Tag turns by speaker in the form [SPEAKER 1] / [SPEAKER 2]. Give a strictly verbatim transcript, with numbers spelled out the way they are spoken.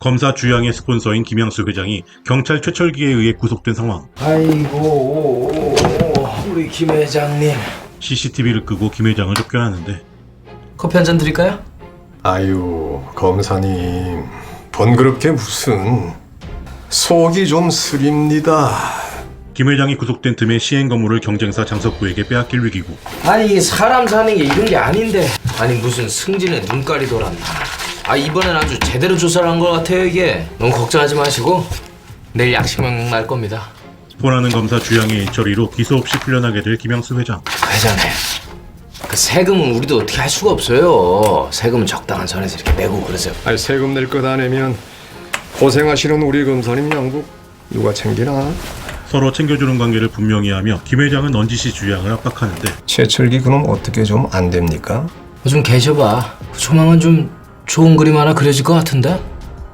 [SPEAKER 1] 검사 주양의 스폰서인 김영수 회장이 경찰 최철기에 의해 구속된 상황.
[SPEAKER 2] 아이고 우리 김 회장님.
[SPEAKER 1] 씨씨티비를 끄고 김 회장을 쫓겨나는데
[SPEAKER 2] 커피 한 잔 드릴까요?
[SPEAKER 3] 아유, 검사님, 번거롭게 무슨. 속이 좀 쓰립니다.
[SPEAKER 1] 김 회장이 구속된 틈에 시행 건물을 경쟁사 장석구에게 빼앗길 위기고,
[SPEAKER 2] 아니 사람 사는 게 이런 게 아닌데. 아니 무슨 승진에 눈깔이 돌았나. 아 이번엔 아주 제대로 조사를 한 것 같아요 이게. 너무 걱정하지 마시고 내일 약식명 날 겁니다.
[SPEAKER 1] 스폰하는 검사 주양의 일처리로 기소 없이 풀려나게 될 김영수 회장.
[SPEAKER 2] 회장님, 그 세금은 우리도 어떻게 할 수가 없어요. 세금은 적당한 선에서 이렇게 내고 그러세요.
[SPEAKER 3] 아니, 세금 낼 것 안 내면 고생하시는 우리 검사님 양복 누가 챙기나?
[SPEAKER 1] 서로 챙겨주는 관계를 분명히 하며 김 회장은 넌지시 주양을 압박하는데
[SPEAKER 3] 최철기 그놈 어떻게 좀 안 됩니까?
[SPEAKER 2] 좀 계셔봐. 조만간 좀 좋은 그림 하나 그려질 것 같은데?